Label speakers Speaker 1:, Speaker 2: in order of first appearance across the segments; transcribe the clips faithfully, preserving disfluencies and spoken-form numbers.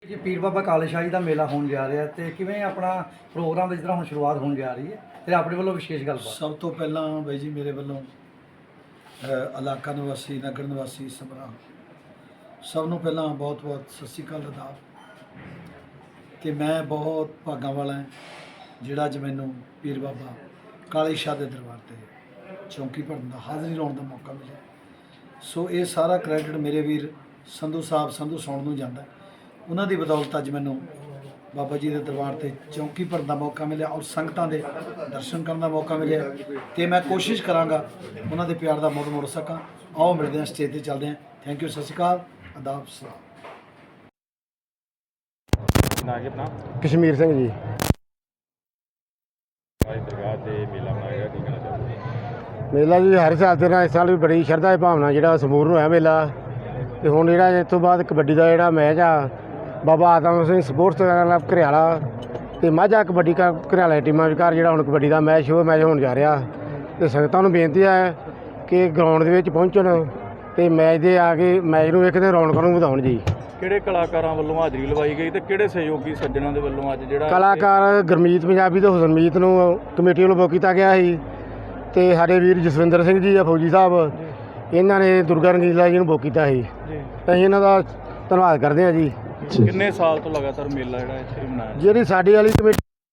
Speaker 1: ਜੀ ਪੀਰ ਬਾਬਾ ਕਾਲੇ ਸ਼ਾਹ ਜੀ ਦਾ ਮੇਲਾ ਹੋਣ ਜਾ ਰਿਹਾ ਤੇ ਕਿਵੇਂ ਆਪਣਾ ਪ੍ਰੋਗਰਾਮ ਜਿਸ ਤਰ੍ਹਾਂ ਹੁਣ ਸ਼ੁਰੂਆਤ ਹੋਣ ਜਾ ਰਹੀ ਹੈ ਤੇ ਆਪਣੇ ਵੱਲੋਂ ਵਿਸ਼ੇਸ਼ ਗੱਲਬਾਤ।
Speaker 2: ਸਭ ਤੋਂ ਪਹਿਲਾਂ ਬਾਈ ਜੀ ਮੇਰੇ ਵੱਲੋਂ ਅ, ਇਲਾਕਾ ਨਿਵਾਸੀ ਨਗਰ ਨਿਵਾਸੀ ਸਮਰਾ ਸਭ ਨੂੰ ਪਹਿਲਾਂ ਬਹੁਤ ਬਹੁਤ ਸਤਿ ਸ਼੍ਰੀ ਅਕਾਲ ਅਦਾਬ ਕਿ ਮੈਂ ਬਹੁਤ ਭਾਗਾਂ ਵਾਲਾ ਹਾਂ ਜਿਹੜਾ ਅੱਜ ਮੈਨੂੰ ਪੀਰ ਬਾਬਾ ਕਾਲੇ ਸ਼ਾਹ ਦੇ ਦਰਬਾਰ ਤੇ ਚੌਂਕੀ ਭਰਨ ਦਾ ਹਾਜ਼ਰੀ ਲਾਉਣ ਦਾ ਮੌਕਾ ਮਿਲਿਆ। ਸੋ ਇਹ ਸਾਰਾ ਕ੍ਰੈਡਿਟ ਮੇਰੇ ਵੀਰ ਸੰਧੂ ਸਾਹਿਬ ਸੰਧੂ ਸੌਣ ਨੂੰ ਜਾਂਦਾ। ਉਹਨਾਂ ਦੀ ਬਦੌਲਤ ਅੱਜ ਮੈਨੂੰ ਬਾਬਾ ਜੀ ਦੇ ਦਰਬਾਰ ਤੇ ਚੌਂਕੀ ਭਰਨ ਦਾ ਮੌਕਾ ਮਿਲਿਆ ਔਰ ਸੰਗਤਾਂ ਦੇ ਦਰਸ਼ਨ ਕਰਨ ਦਾ ਮੌਕਾ ਮਿਲਿਆ ਤੇ ਮੈਂ ਕੋਸ਼ਿਸ਼ ਕਰਾਂਗਾ ਉਹਨਾਂ ਦੇ ਪਿਆਰ ਦਾ ਮੁੱਲ ਮੋੜ ਸਕਾਂ। ਆਓ ਮਿਲਦੇ ਹਾਂ, ਸਟੇਜ ਤੇ ਚੱਲਦੇ ਹਾਂ। ਥੈਂਕ ਯੂ, ਸਤਿ ਸ਼੍ਰੀ ਅਕਾਲ, ਆਦਾਬ ਸਲਾਮ।
Speaker 3: ਨਾ ਕਿ ਆਪਣਾ
Speaker 4: ਕਸ਼ਮੀਰ ਸਿੰਘ ਜੀ।
Speaker 3: ਅੱਜ ਦਰਗਾਹ ਤੇ ਮੇਲਾ ਮਨਾਇਆ ਕੀ ਕਹਿਣਾ ਚਾਹੁੰਦੇ?
Speaker 4: ਮੇਲਾ ਜੀ ਹਰ ਸਾਲ ਤਰ੍ਹਾਂ ਇਸ ਸਾਲ ਵੀ ਬੜੀ ਸ਼ਰਧਾ ਦੀ ਭਾਵਨਾ ਜਿਹੜਾ ਸੰਪੂਰਨ ਹੋਇਆ ਮੇਲਾ। ਤੇ ਹੁਣ ਜਿਹੜਾ ਇਸ ਤੋਂ ਬਾਅਦ ਕਬੱਡੀ ਦਾ ਜਿਹੜਾ ਮੈਚ ਆ ਬਾਬਾ ਆਤਮ ਸਿੰਘ ਸਪੋਰਟਸ ਕਲੱਬ ਘਰਿਆਲਾ ਤੇ ਮਾਝਾ ਕਬੱਡੀ ਕ ਘਰਿਆਲਾ ਟੀਮਾਂ ਵਿਚਕਾਰ ਜਿਹੜਾ ਹੁਣ ਕਬੱਡੀ ਦਾ ਮੈਚ ਉਹ ਮੈਚ ਹੋਣ ਜਾ ਰਿਹਾ। ਤੇ ਸੰਗਤਾਂ ਨੂੰ ਬੇਨਤੀ ਹੈ ਕਿ ਗਰਾਊਂਡ ਦੇ ਵਿੱਚ ਪਹੁੰਚਣ ਤੇ ਮੈਚ ਦੇ ਆ ਕੇ ਮੈਚ ਨੂੰ ਵੇਖਦੇ ਰੌਣਕਾਂ ਨੂੰ ਵਧਾਉਣ ਜੀ।
Speaker 3: ਕਿਹੜੇ ਕਲਾਕਾਰਾਂ ਵੱਲੋਂ ਹਾਜ਼ਰੀ ਲਵਾਈ ਗਈ ਤੇ ਕਿਹੜੇ ਸਹਿਯੋਗੀ ਸੱਜਣਾਂ ਦੇ ਵੱਲੋਂ ਅੱਜ ਜਿਹੜਾ
Speaker 4: ਕਲਾਕਾਰ ਗੁਰਮੀਤ ਪੰਜਾਬੀ ਤੇ ਹੁਸਨਮੀਤ ਨੂੰ ਕਮੇਟੀ ਵੱਲੋਂ ਬੁੱਕ ਕੀਤਾ ਗਿਆ ਸੀ ਤੇ ਸਾਡੇ ਵੀਰ ਜਸਵਿੰਦਰ ਸਿੰਘ ਜੀ ਆ ਫੌਜੀ ਸਾਹਿਬ, ਇਹਨਾਂ ਨੇ ਦੁਰਗਾ ਰੰਗੀਲਾ ਜੀ ਨੂੰ ਬੁੱਕ ਕੀਤਾ ਸੀ। ਅਸੀਂ ਇਹਨਾਂ ਦਾ ਧੰਨਵਾਦ ਕਰਦੇ ਹਾਂ ਜੀ।
Speaker 3: ਕਿੰਨੇ ਸਾਲ ਤੋਂ ਲਗਾਤਾਰ ਮੇਲਾ ਜਿਹੜਾ ਇੱਥੇ ਮਨਾਇਆ?
Speaker 4: ਜਿਹੜੀ ਸਾਡੀ ਵਾਲੀ ਕਮੇਟੀ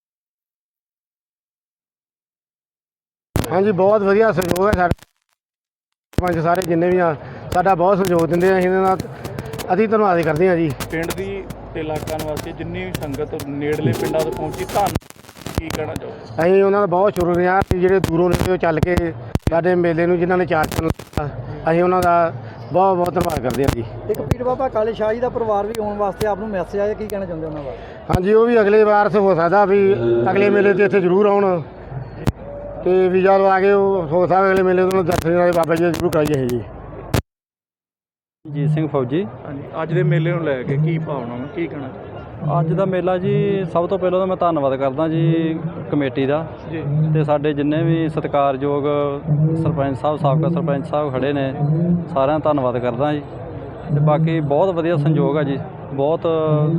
Speaker 4: ਹਾਂਜੀ ਬਹੁਤ ਵਧੀਆ ਸਹਿਯੋਗ ਹੈ। ਸਾਡੇ ਪੰਜ ਸਾਰੇ ਜਿੰਨੇ ਵੀ ਆ ਸਾਡਾ ਬਹੁਤ ਸਹਿਯੋਗ ਦਿੰਦੇ ਆ। ਅਸੀਂ ਇਹਨਾਂ ਦਾ ਅਸੀਂ ਧੰਨਵਾਦ ਕਰਦੇ ਹਾਂ ਜੀ।
Speaker 3: ਪਿੰਡ ਦੀ ਤੇ ਇਲਾਕਾ ਨਿਵਾਸੀ ਜਿੰਨੀ ਵੀ ਸੰਗਤ ਨੇੜਲੇ ਪਿੰਡਾਂ ਤੋਂ ਪਹੁੰਚੀ, ਧੰਨ ਕੀ ਕਹਿਣਾ ਚਾਹੋਗੇ?
Speaker 4: ਅਸੀਂ ਉਹਨਾਂ ਦਾ ਬਹੁਤ ਸ਼ੁਕਰੀਆ ਜਿਹੜੇ ਦੂਰੋਂ ਨੇੜਿਓਂ ਚੱਲ ਕੇ ਸਾਡੇ ਮੇਲੇ ਨੂੰ ਜਿਨ੍ਹਾਂ ਨੇ ਚਾਰ ਚੰਨ ਲਾਇਆ, ਅਸੀਂ ਉਹਨਾਂ ਦਾ ਬਹੁਤ ਬਹੁਤ ਧੰਨਵਾਦ ਕਰਦੇ ਹਾਂ ਜੀ।
Speaker 1: ਇੱਕ ਪੀਰ ਬਾਬਾ ਕਾਲੇ ਸ਼ਾਹ ਜੀ ਦਾ ਪਰਿਵਾਰ ਵੀ ਆਉਣ ਵਾਸਤੇ ਆਪ ਨੂੰ ਮੈਸੇਜ ਆਇਆ, ਕੀ ਕਹਿਣਾ ਚਾਹੁੰਦੇ ਉਹਨਾਂ ਬਾਰੇ?
Speaker 4: ਹਾਂਜੀ, ਉਹ ਵੀ ਅਗਲੇ ਵਾਰ ਹੋ ਸਕਦਾ ਵੀ ਅਗਲੇ ਮੇਲੇ 'ਤੇ ਇੱਥੇ ਜ਼ਰੂਰ ਆਉਣ ਤੇ ਵੀ ਜਦੋਂ ਆ ਕੇ ਉਹ ਹੋ ਸਕਦਾ ਅਗਲੇ ਮੇਲੇ ਤੋਂ ਦਰਸ਼ਨ ਵਾਲੇ ਬਾਬਾ ਜੀ ਦਾ ਜ਼ਰੂਰ ਕਰਾਈਏ ਜੀ।
Speaker 5: ਜੀਤ ਸਿੰਘ ਫੌਜੀ।
Speaker 3: ਹਾਂਜੀ, ਅੱਜ ਦੇ ਮੇਲੇ ਨੂੰ ਲੈ ਕੇ ਕੀ ਭਾਵਨਾ ਨੂੰ ਕੀ ਕਹਿਣਾ?
Speaker 5: ਅੱਜ ਦਾ ਮੇਲਾ ਜੀ ਸਭ ਤੋਂ ਪਹਿਲਾਂ ਤਾਂ ਮੈਂ ਧੰਨਵਾਦ ਕਰਦਾ ਜੀ ਕਮੇਟੀ ਦਾ
Speaker 3: ਜੀ
Speaker 5: ਤੇ ਸਾਡੇ ਜਿੰਨੇ ਵੀ ਸਤਿਕਾਰਯੋਗ ਸਰਪੰਚ ਸਾਹਿਬ ਸਾਬਕਾ ਸਰਪੰਚ ਸਾਹਿਬ ਖੜੇ ਨੇ ਸਾਰਿਆਂ ਦਾ ਧੰਨਵਾਦ ਕਰਦਾ ਜੀ। ਤੇ ਬਾਕੀ ਬਹੁਤ ਵਧੀਆ ਸੰਯੋਗ ਆ ਜੀ, ਬਹੁਤ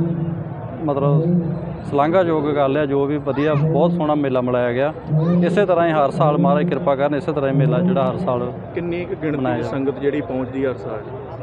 Speaker 5: ਮਤਲਬ ਸ਼ਲਾਘਾਯੋਗ ਗੱਲ ਆ ਜੋ ਵੀ ਵਧੀਆ ਬਹੁਤ ਸੋਹਣਾ ਮੇਲਾ ਮਨਾਇਆ ਗਿਆ। ਇਸੇ ਤਰ੍ਹਾਂ ਹੀ ਹਰ ਸਾਲ ਮਹਾਰਾਜ ਕਿਰਪਾ ਕਰਨ, ਇਸੇ ਤਰ੍ਹਾਂ ਹੀ ਮੇਲਾ ਜਿਹੜਾ ਹਰ ਸਾਲ
Speaker 3: ਕਿੰਨੀ ਕੁ ਗਿਣਤੀ
Speaker 5: ਮਨਾਇਆ
Speaker 3: ਦੀ
Speaker 5: ਜਾ-
Speaker 3: ਸੰਗਤ ਜਿਹੜੀ ਪਹੁੰਚਦੀ ਹਰ ਸਾਲ?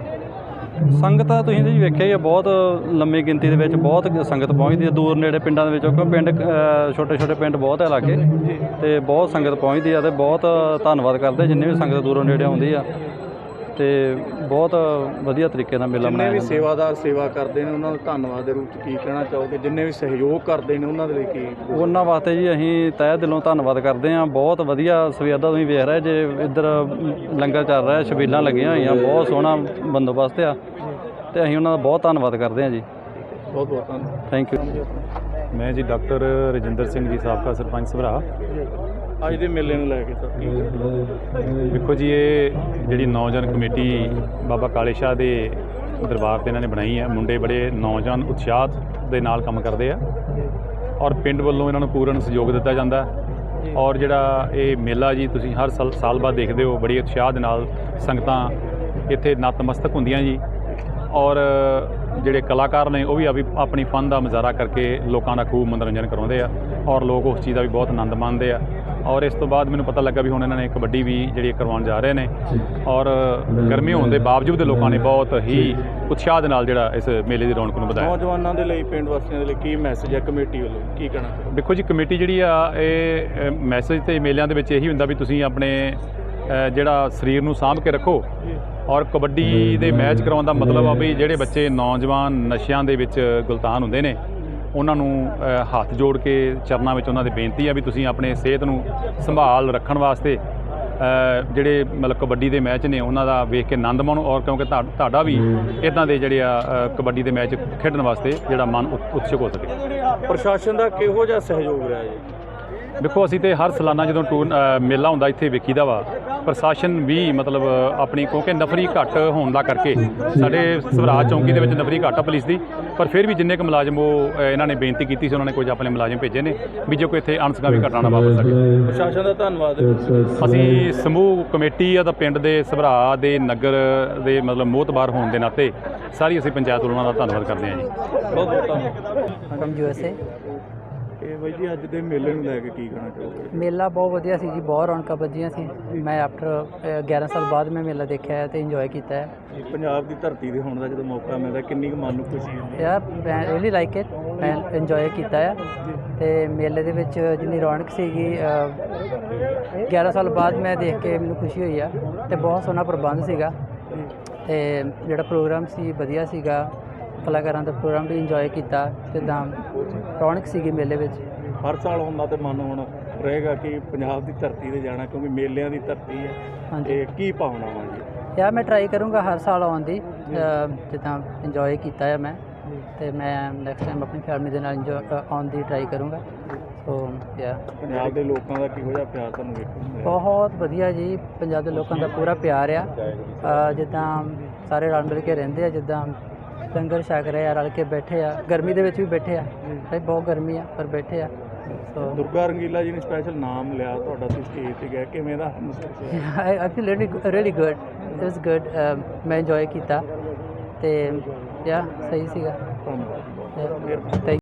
Speaker 5: ਸੰਗਤ ਆ ਤੁਸੀਂ ਜੀ ਵੇਖਿਆ ਹੀ ਆ, ਬਹੁਤ ਲੰਮੀ ਗਿਣਤੀ ਦੇ ਵਿੱਚ ਬਹੁਤ ਸੰਗਤ ਪਹੁੰਚਦੀ ਹੈ ਦੂਰ ਨੇੜੇ ਪਿੰਡਾਂ ਦੇ ਵਿੱਚੋਂ, ਕਿਉਂਕਿ ਪਿੰਡ ਛੋਟੇ ਛੋਟੇ ਪਿੰਡ ਬਹੁਤ ਹੈ ਲਾਗੇ ਤੇ ਬਹੁਤ ਸੰਗਤ ਪਹੁੰਚਦੀ ਆ ਤੇ ਬਹੁਤ ਧੰਨਵਾਦ ਕਰਦੇ ਜਿੰਨੇ ਵੀ ਸੰਗਤ ਦੂਰੋਂ ਨੇੜੇ ਆਉਂਦੀ ਆ ਤੇ ਬਹੁਤ ਵਧੀਆ ਤਰੀਕੇ ਨਾਲ ਮੇਲਾ
Speaker 3: ਜਿੰਨੇ
Speaker 5: ਮਨਾਇਆ
Speaker 3: ਵੀ
Speaker 5: ਜਾਂਦਾ।
Speaker 3: ਸੇਵਾਦਾਰ ਸੇਵਾ ਕਰਦੇ ਨੇ ਉਹਨਾਂ ਨੂੰ ਧੰਨਵਾਦ ਦੇ ਰੂਪ 'ਚ ਕੀ ਕਹਿਣਾ ਚਾਹੋਗੇ? ਜਿੰਨੇ ਵੀ ਸਹਿਯੋਗ ਕਰਦੇ ਨੇ ਉਹਨਾਂ ਦੇ ਲਈ ਕੀ?
Speaker 5: ਉਹਨਾਂ ਵਾਸਤੇ ਜੀ ਅਸੀਂ ਤਹਿ ਦਿਲੋਂ ਧੰਨਵਾਦ ਕਰਦੇ ਹਾਂ। ਬਹੁਤ ਵਧੀਆ ਸਵੇਰ ਦਾ ਤੁਸੀਂ ਵੇਖ ਰਹੇ ਜੇ ਇੱਧਰ ਲੰਗਰ ਚੱਲ ਰਿਹਾ, ਛਬੀਲਾਂ ਲੱਗੀਆਂ ਹੋਈਆਂ, ਬਹੁਤ ਸੋਹਣਾ ਬੰਦੋਬਸਤ ਆ ਤੇ ਅਸੀਂ ਉਹਨਾਂ ਦਾ ਬਹੁਤ ਧੰਨਵਾਦ ਕਰਦੇ ਹਾਂ ਜੀ।
Speaker 3: ਬਹੁਤ ਬਹੁਤ ਧੰਨਵਾਦ।
Speaker 5: Thank you.
Speaker 6: ਮੈਂ ਜੀ ਡਾਕਟਰ ਰਜਿੰਦਰ ਸਿੰਘ ਜੀ, ਸਾਬਕਾ ਸਰਪੰਚ ਸਭਰਾ।
Speaker 3: ਅੱਜ ਦੇ ਮੇਲੇ ਨੂੰ ਲੈ ਕੇ ਸਰ ਕੀ ਕਹਿਣਾ?
Speaker 6: ਦੇਖੋ ਜੀ, ਇਹ ਜਿਹੜੀ ਨੌਜਵਾਨ ਕਮੇਟੀ ਬਾਬਾ ਕਾਲੇ ਸ਼ਾਹ ਦੇ ਦਰਬਾਰ ਤੇ ਇਹਨਾਂ ਨੇ ਬਣਾਈ ਹੈ, ਮੁੰਡੇ ਬੜੇ ਨੌਜਵਾਨ ਉਤਸ਼ਾਹ ਦੇ ਨਾਲ ਕੰਮ ਕਰਦੇ ਆ ਔਰ ਪਿੰਡ ਵੱਲੋਂ ਇਹਨਾਂ ਨੂੰ ਪੂਰਨ ਸਹਿਯੋਗ ਦਿੱਤਾ ਜਾਂਦਾ। ਔਰ ਜਿਹੜਾ ਇਹ ਮੇਲਾ ਜੀ ਤੁਸੀਂ ਹਰ ਸਾਲ ਸਾਲ ਬਾਅਦ ਦੇਖਦੇ ਹੋ, ਬੜੀ ਉਤਸ਼ਾਹ ਦੇ ਨਾਲ ਸੰਗਤਾਂ ਇੱਥੇ ਨਤਮਸਤਕ ਹੁੰਦੀਆਂ ਜੀ। ਔਰ ਜਿਹੜੇ ਕਲਾਕਾਰ ਨੇ ਉਹ ਵੀ ਆਪਣੀ ਫਨ ਦਾ ਮੁਜ਼ਾਹਰਾ ਕਰਕੇ ਲੋਕਾਂ ਦਾ ਖੂਬ ਮਨੋਰੰਜਨ ਕਰਾਉਂਦੇ ਆ ਔਰ ਲੋਕ ਉਸ ਚੀਜ਼ ਦਾ ਵੀ ਬਹੁਤ ਆਨੰਦ ਮਾਣਦੇ ਆ। ਔਰ ਇਸ ਤੋਂ ਬਾਅਦ ਮੈਨੂੰ ਪਤਾ ਲੱਗਾ ਵੀ ਹੁਣ ਇਹਨਾਂ ਨੇ ਕਬੱਡੀ ਵੀ ਜਿਹੜੀ ਕਰਵਾਉਣ ਜਾ ਰਹੇ ਨੇ ਔਰ ਗਰਮੀ ਹੋਣ ਦੇ ਬਾਵਜੂਦ ਲੋਕਾਂ ਨੇ ਬਹੁਤ ਹੀ ਉਤਸ਼ਾਹ ਦੇ ਨਾਲ ਜਿਹੜਾ ਇਸ ਮੇਲੇ ਦੀ ਰੌਣਕ ਨੂੰ ਵਧਾਇਆ।
Speaker 3: ਨੌਜਵਾਨਾਂ ਦੇ ਲਈ, ਪਿੰਡ ਵਾਸੀਆਂ ਦੇ ਲਈ ਕੀ ਮੈਸੇਜ ਹੈ ਕਮੇਟੀ ਵੱਲੋਂ, ਕੀ ਕਹਿਣਾ ਚਾਹੋਗੇ?
Speaker 6: ਦੇਖੋ ਜੀ, ਕਮੇਟੀ ਜਿਹੜੀ ਆ ਇਹ ਮੈਸੇਜ ਤੇ ਮੇਲਿਆਂ ਦੇ ਵਿੱਚ ਇਹੀ ਹੁੰਦਾ ਵੀ ਤੁਸੀਂ ਆਪਣੇ ਜਿਹੜਾ ਸਰੀਰ ਨੂੰ ਸਾਂਭ ਕੇ ਰੱਖੋ ਔਰ ਕਬੱਡੀ ਦੇ ਮੈਚ ਕਰਾਉਣ ਦਾ ਮਤਲਬ ਆ ਵੀ ਜਿਹੜੇ ਬੱਚੇ ਨੌਜਵਾਨ ਨਸ਼ਿਆਂ ਦੇ ਵਿੱਚ ਗੁਲਤਾਨ ਹੁੰਦੇ ਨੇ ਉਹਨਾਂ ਨੂੰ ਹੱਥ ਜੋੜ ਕੇ ਚਰਨਾਂ ਵਿੱਚ ਉਹਨਾਂ ਦੀ ਬੇਨਤੀ ਆ ਵੀ ਤੁਸੀਂ ਆਪਣੇ ਸਿਹਤ ਨੂੰ ਸੰਭਾਲ ਰੱਖਣ ਵਾਸਤੇ ਜਿਹੜੇ ਮਤਲਬ ਕਬੱਡੀ ਦੇ ਮੈਚ ਨੇ ਉਹਨਾਂ ਦਾ ਵੇਖ ਕੇ ਆਨੰਦ ਮਾਣੋ ਔਰ ਕਿਉਂਕਿ ਤੁਹਾਡਾ ਵੀ ਇੱਦਾਂ ਦੇ ਜਿਹੜੇ ਆ ਕਬੱਡੀ ਦੇ ਮੈਚ ਖੇਡਣ ਵਾਸਤੇ ਜਿਹੜਾ ਮਨ ਉਤਸੁਕ ਹੋ ਸਕੇ।
Speaker 3: ਪ੍ਰਸ਼ਾਸਨ ਦਾ ਕਿਹੋ ਜਿਹਾ ਸਹਿਯੋਗ ਰਿਹਾ ਜੀ?
Speaker 6: ਦੇਖੋ, ਅਸੀਂ ਤੇ ਹਰ ਸਾਲਾਨਾ ਜਦੋਂ ਟੂਰ ਮੇਲਾ ਹੁੰਦਾ ਇੱਥੇ ਵੇਖੀਦਾ ਵਾ ਪ੍ਰਸ਼ਾਸਨ ਵੀ ਮਤਲਬ ਆਪਣੀ, ਕਿਉਂਕਿ ਨਫਰੀ ਘੱਟ ਹੋਣ ਦਾ ਕਰਕੇ ਸਾਡੇ ਸਵਰਾਜ ਚੌਂਕੀ ਦੇ ਵਿੱਚ ਨਫਰੀ ਘੱਟ ਆ ਪੁਲਿਸ ਦੀ, ਪਰ ਫਿਰ ਵੀ ਜਿੰਨੇ ਕੁ ਮੁਲਾਜ਼ਮ ਉਹ ਅ, ਇਹਨਾਂ ਨੇ ਬੇਨਤੀ ਕੀਤੀ ਸੀ, ਉਹਨਾਂ ਨੇ ਕੁਝ ਆਪਣੇ ਮੁਲਾਜ਼ਮ ਭੇਜੇ ਨੇ ਵੀ ਜੇ ਕੋਈ ਇੱਥੇ ਅਣਸੁਖਾਵੀ ਘਟਨਾ ਨਾ ਵਾਪਰ ਸਕੇ।
Speaker 3: ਪ੍ਰਸ਼ਾਸਨ ਦਾ ਧੰਨਵਾਦ।
Speaker 6: ਅਸੀਂ ਸਮੂਹ ਕਮੇਟੀ ਆ ਤਾਂ ਪਿੰਡ ਦੇ ਸਭਰਾ ਦੇ ਨਗਰ ਦੇ ਮਤਲਬ ਮੋਹਤਬਾਰ ਹੋਣ ਦੇ ਨਾਤੇ ਸਾਰੀ ਅਸੀਂ ਪੰਚਾਇਤ ਵੱਲੋਂ ਉਹਨਾਂ ਦਾ ਧੰਨਵਾਦ ਕਰਦੇ ਹਾਂ ਜੀ।
Speaker 3: ਬਹੁਤ ਬਹੁਤ ਧੰਨਵਾਦ।
Speaker 7: From U S A.
Speaker 3: ਇਹ ਬਾਈ ਜੀ ਅੱਜ ਦੇ ਮੇਲੇ ਨੂੰ ਲੈ ਕੇ ਕੀ ਕਹਿਣਾ ਚਾਹੋਗੇ?
Speaker 7: ਮੇਲਾ ਬਹੁਤ ਵਧੀਆ ਸੀ ਜੀ, ਬਹੁਤ ਰੌਣਕਾਂ ਵੱਜੀਆਂ ਸੀ। ਮੈਂ ਆਫਟਰ ਗਿਆਰਾਂ ਸਾਲ ਬਾਅਦ ਮੈਂ ਮੇਲਾ ਦੇਖਿਆ ਹੈ ਤੇ ਇੰਜੋਏ ਕੀਤਾ ਹੈ।
Speaker 3: ਪੰਜਾਬ ਦੀ ਧਰਤੀ ਤੇ ਹੋਣ ਦਾ ਜਦੋਂ ਮੌਕਾ ਮਿਲਦਾ ਕਿੰਨੀ ਕੁ ਮਨ ਨੂੰ ਖੁਸ਼ੀ ਹੁੰਦੀ ਹੈ?
Speaker 7: ਯਾਰ ਮੈਂ ਰੀਲੀ ਲਾਈਕ ਇਟ, ਮੈਂ ਇੰਜੋਏ ਕੀਤਾ ਹੈ। ਤੇ ਮੇਲੇ ਦੇ ਵਿੱਚ ਜਿੰਨੀ ਰੌਣਕ ਸੀਗੀ ਅ, ਗਿਆਰਾਂ ਸਾਲ ਬਾਅਦ ਮੈਂ ਦੇਖ ਕੇ ਮੈਨੂੰ ਖੁਸ਼ੀ ਹੋਈ ਆ। ਤੇ ਬਹੁਤ ਸੋਹਣਾ ਪ੍ਰਬੰਧ ਸੀਗਾ ਤੇ ਜਿਹੜਾ ਪ੍ਰੋਗਰਾਮ ਸੀ ਵਧੀਆ ਸੀਗਾ। ਕਲਾਕਾਰਾਂ ਦਾ ਪ੍ਰੋਗਰਾਮ ਵੀ ਇੰਜੋਏ ਕੀਤਾ। ਜਿੱਦਾਂ ਰੌਣਕ ਸੀਗੀ ਮੇਲੇ ਵਿੱਚ।
Speaker 3: ਹਰ ਸਾਲ ਹੁੰਦਾ ਤੇ ਮਨ ਹੁਣ ਰਹੇਗਾ ਕਿ ਪੰਜਾਬ ਦੀ ਧਰਤੀ ਤੇ ਜਾਣਾ, ਕਿਉਂਕਿ ਮੇਲਿਆਂ ਦੀ ਧਰਤੀ ਹੈ।
Speaker 7: ਹਾਂਜੀ।
Speaker 3: ਤੇ ਕੀ ਭਾਵਨਾਵਾਂ ਜੀ?
Speaker 7: ਯਾਰ ਮੈਂ ਟਰਾਈ ਕਰੂੰਗਾ ਹਰ ਸਾਲ ਆਉਣ ਦੀ, ਅ, ਜਿੱਦਾਂ ਇੰਜੋਏ ਕੀਤਾ ਹੈ ਮੈਂ, ਤੇ ਮੈਂ ਨੈਕਸਟ ਟਾਈਮ ਆਪਣੀ ਫੈਮਿਲੀ ਦੇ ਨਾਲ ਇੰਜੋਏ ਆਉਣ ਦੀ ਟਰਾਈ ਕਰੂੰਗਾ। ਸੋ ਯਾ
Speaker 3: ਪੰਜਾਬ ਦੇ ਲੋਕਾਂ ਦਾ ਕਿਹੋ ਜਿਹਾ ਪਿਆਰ ਤੁਹਾਨੂੰ ਵੇਖਣ ਨੂੰ ਮਿਲਿਆ?
Speaker 7: ਬਹੁਤ ਵਧੀਆ ਜੀ, ਪੰਜਾਬ ਦੇ ਲੋਕਾਂ ਦਾ ਪੂਰਾ ਪਿਆਰ ਆ। ਅ, ਜਿੱਦਾਂ ਸਾਰੇ ਰਲ ਮਿਲ ਕੇ ਰਹਿੰਦੇ ਆ, ਜਿੱਦਾਂ ਲੰਗਰ ਛਕ ਰਹੇ ਆ, ਰਲ ਕੇ ਬੈਠੇ ਆ। ਗਰਮੀ ਦੇ ਵਿੱਚ ਵੀ ਬੈਠੇ ਆ, ਤੇ ਬਹੁਤ ਗਰਮੀ ਆ ਪਰ ਬੈਠੇ ਆ। ਸੋ
Speaker 3: ਦੁਰਗਾ ਰੰਗੀਲਾ ਜੀ ਨੇ ਸਪੈਸ਼ਲ ਨਾਮ ਲਿਆ ਤੁਹਾਡਾ, ਤੁਸੀਂ ਸਟੇਜ ਤੇ ਗਏ, ਕਿਵੇਂ ਦਾ ਮਹਿਸੂਸ ਹੋਇਆ?
Speaker 7: I I feel really really good, it was good. ਮੈਂ ਇੰਜੋਏ ਕੀਤਾ ਤੇ ਯਾ ਸਹੀ ਸੀਗਾ।
Speaker 3: ਧੰਨਵਾਦ।
Speaker 7: ਥੈਂਕ